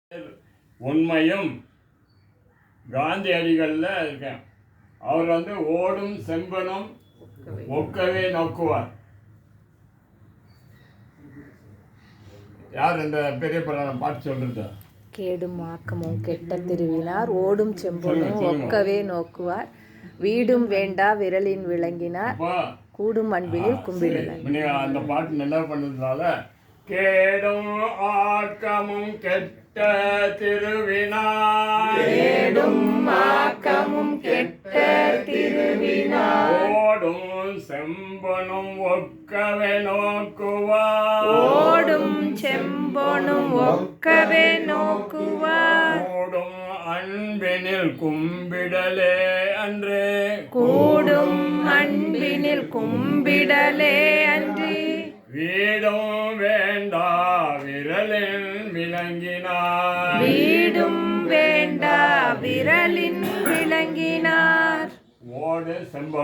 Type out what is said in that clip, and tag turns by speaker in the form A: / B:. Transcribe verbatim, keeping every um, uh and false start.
A: உண்மையும் காந்தியடிகளில் இருக்கேன். அவர் வந்து ஓடும் செம்பனும் ஒக்கவே நோக்குவார். யார் இந்த பெரிய புராணம் பாட்டு சொல்றது?
B: கேடும் ஆக்கமும் கெட்ட திருவினார் ஓடும் செம்பனும் ஒக்கவே நோக்குவார் வீடும் வேண்டா விரலின் விளங்கினார் கூடும் அன்பினில் கும்பிடுவார்.
A: அந்த பாட்டு நல்லா பண்ணதுனால கேடும் ஆக்கமும் கெட்ட திருவினார்
B: கேடும் ஆக்கமும் கெட்ட திருவினார்
A: ஓடும் செம்பனும் ஒக்கவே நோக்குவார்
B: ஓடும் செம்பனும் ஒக்கவே நோக்குவார்
A: கூடும் அன்பினில் கும்பிடலே அன்று
B: கூடும் அன்பினில் கும்பிடலே அன்று
A: வீடும் வேண்டா விரலில் விளங்கினார்
B: வீடும் வேண்டா விரலின் விளங்கினார்
A: ஓடு செம்பன்